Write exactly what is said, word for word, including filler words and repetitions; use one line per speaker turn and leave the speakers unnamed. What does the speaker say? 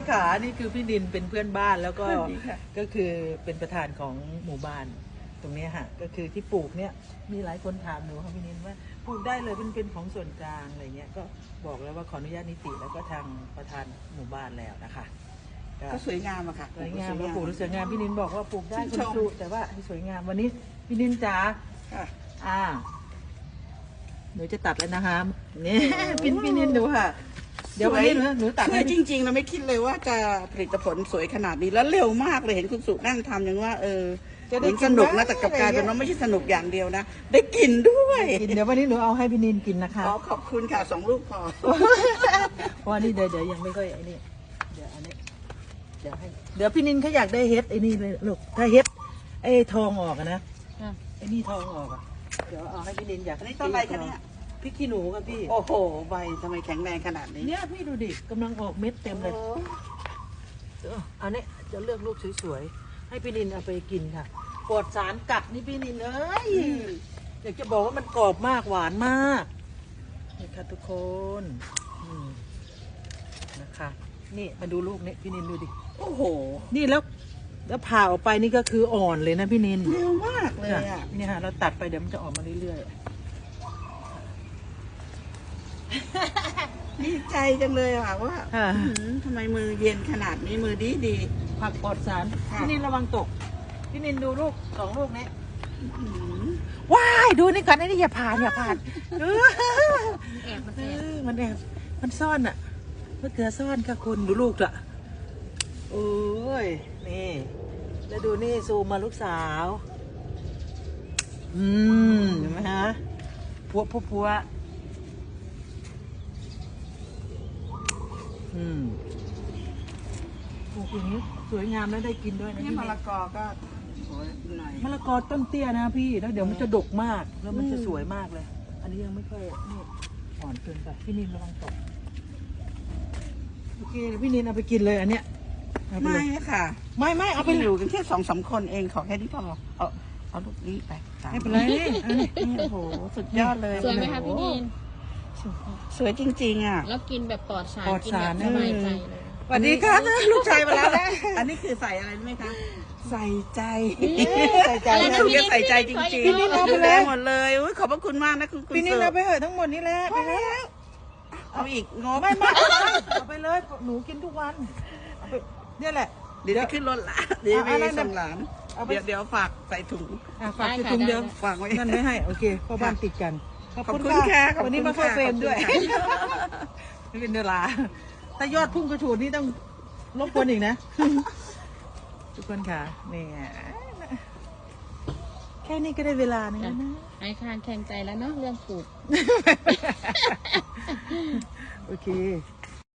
ขานี่คือพี่ดินเป็นเพื่อนบ้านแล้วก็ก็คือเป็นประธานของหมู่บ้านตรงนี้ค่ะก็คือที่ปลูกเนี่ยมีหลายคนถามหนูค่ะพี่นินว่าปลูกได้เลยเป็นเป็นของส่วนกลางอะไรเงี้ยก็บอกแล้วว่าขออนุญาตนิติแล้วก็ทางประธานหมู่บ้านแล้วนะคะ
ก็สวยงามอะค่ะ
สวยงามว่าปลูกสวยงามพี่นินบอกว่าปลูกได้คุณครูแต่ว่าให้สวยงามวันนี้พี่นินจ๋าอ่าหนูจะตัดแล้วนะคะนี่พี่พี่นินดูค่ะเดี๋ยววันนี้หนูตัดให้
จริงๆเราไม่คิดเลยว่าจะผลิตผลสวยขนาดนี้แล้วเร็วมากเลยเห็นคุณสุนั่งทำอย่างว่าเออจะได้สนุกนะแต่กลับกลายเป็นว่าไม่ใช่สนุกอย่างเดียวนะได้กินด้วย
เดี๋ยววันนี้หนูเอาให้พี่นินกินนะคะ
อ๋อขอบคุณค่ะสองลูกพอ
เพราะว่านี่เดี๋ยวเดี๋ยวยังไม่ค่อยไอ้นี่เดี๋ยวอันนี้เดี๋ยวให้เดี๋ยวพี่นินเขาอยากได้เฮ็ดไอ้นี่เลยลูกถ้าเฮ็ดไอ้ทองออกนะไอ้นี่ทองออกอ่ะเดี๋ยวเอาให้พี่นินอยาก
อันนี้ต้นอะไรคะเนี่ย
พริกขี้หนูครับพี่
โอ้โหใบทำไมแข็งแรงขนาดนี้
เนี่ยพี่ดูดิกำลังออกเม็ดเต็มเลยอันนี้จะเลือกลูกสวยๆให้พี่นินเอาไปกินค่ะปลอดสารกัดนี่พี่นินเอ้ยอยากจะบอกว่ามันกรอบมากหวานมากนี่ค่ะทุกคนนะคะนี่มาดูลูกนี่พี่นินดูดิ
โอ้โห
นี่แล้วแล้วผ่าออกไปนี่ก็คืออ่อนเลยนะพี่นิน
เร็วมากเลยอ่ะ
นี่ฮะเราตัดไปเดี๋ยวมันจะออกมาเรื่อยๆ
ดีใจจังเลยค่ะว่าทำไมมือเย็นขนาดนี้มือดีดี
ผักปลอดสารพี่นินระวังตกพี่นินดูลูกสองลูกนี้ว้ายดูนี่ก่อนนี่อย่าผ่านอย่าผ่าน
แอบมันแอบ
มันแอบมันซ่อนอ่ะมะเขือซ่อนค่ะคุณดูลูกละโอ้ยนี่แล้วดูนี่ซูมมาลูกสาวอืมเห็นไหมฮะพัวพัวพัวอืมปลูกอย่างนี้สวยงามแล้วได้กินด้วยนะ
นี่มะละกอก็โอ้ยหน่อย
มะละกอต้นเตี้ยนะพี่แล้วเดี๋ยวมันจะดกมากแล้วมันจะสวยมากเลยอันนี้ยังไม่ค่อยนี่อ่อนเกินไปพี่นินระวังตกโอเคพี่นินเอาไปกินเลยอันเนี้ย
ไม่ค่ะ
ไม่ไม่เอาไป
อยู่กันแค่สองสามคนเองขอแค่นี้พอเอาเอาลูกนี้ไป
ไม่เป็นไรนี่
โอ้โหสุดยอดเลย
สวยไหมคะพี่นิน
สวยจริงๆอ่ะ
แล้วกินแบบปลอดสารกินแบบสบายใจเลย
สวัสดีค่ะลูกชายมาแล้วนะ
อันนี้คือใส่อะไรไหมคะใส่ใจ
ใส่ใจ
นะพี่ใส่ใจจริงๆพี่นิดเอาไปเลยหมดเลยขอบพระคุณมากนะคุณ
พี่นิดเอาไปเหอะทั้งหมดนี้แหละไปแล้ว
เอาอีกงอ
ไม่ไม่เอาไปเลยหนูกินทุกวันเนี่ยแหละ
เดี๋ยวจะขึ้นรถละเดี๋ยวไปส่งหลานเดี๋ยวเดี๋ยวฝากใส่ถุง
ฝากใส่ถุงเดี๋ยว
ฝากไว้
นั่นไม่ให้โอเคพ่อบ้านติดกัน
ขอบคุณค่ะ
วันนี้มาเข้าเฟรมด้วยไม่เป็นเวลาถ้ายอดพุ่งกระฉูดนี่ต้องรบกวนอีกนะทุกคนค่ะนี่แค่นี้ก็ได้เวลานึงแล้วนะ
ไอคานแข่งใจแล้วเนาะเรื่องปลูก
โอเค